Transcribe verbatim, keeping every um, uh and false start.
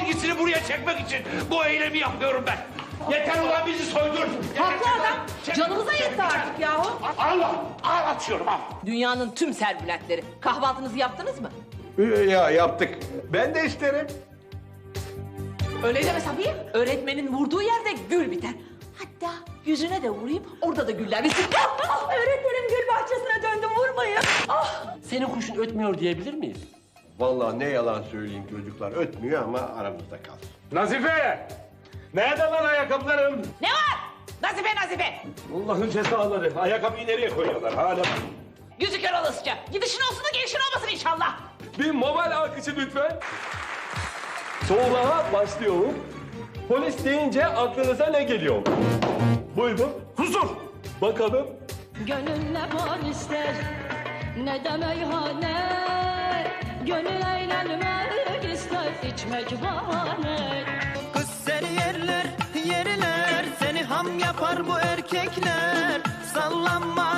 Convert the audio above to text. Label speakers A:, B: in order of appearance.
A: ilgisini buraya çekmek için bu eylemi yapıyorum ben. Yeter ulan bizi soydur.
B: Haklı adam. Canımıza yetti artık yahu.
A: Allah, al atıyorum al.
B: Dünyanın tüm servületleri. Kahvaltınızı yaptınız mı?
C: Ya yaptık. Ben de isterim.
B: Öyle deme Safiye. Öğretmenin vurduğu yerde gül biter. Hatta yüzüne de vurayım, orada da güller bitsin. Ah, ah, öğretmenim gül bahçesine döndüm, vurmayın. Ah.
D: Senin kuşun ötmüyor diyebilir miyiz?
C: Vallahi ne yalan söyleyeyim çocuklar. Ötmüyor ama aramızda kalsın.
A: Nazife! Nerede lan ayakkabılarım?
B: Ne var? Nazife Nazife.
A: Allah'ın cezaları. Ayakkabıyı nereye koyuyorlar hala?
B: Yüzü kör olasıca. Gidişin olsun da gelişin olmasın inşallah.
D: Bir mobil alkışı lütfen. Soğuğa başlıyorum. Polis deyince aklınıza ne geliyor? Buyurun.
A: Huzur!
D: Bakalım.
E: Gönül ne bar ister, ne de meyhane. Gönül eğlenmek ister, içmek bahane.
F: Kız seni yerler, yerler. Seni ham yapar bu erkekler. Sallanma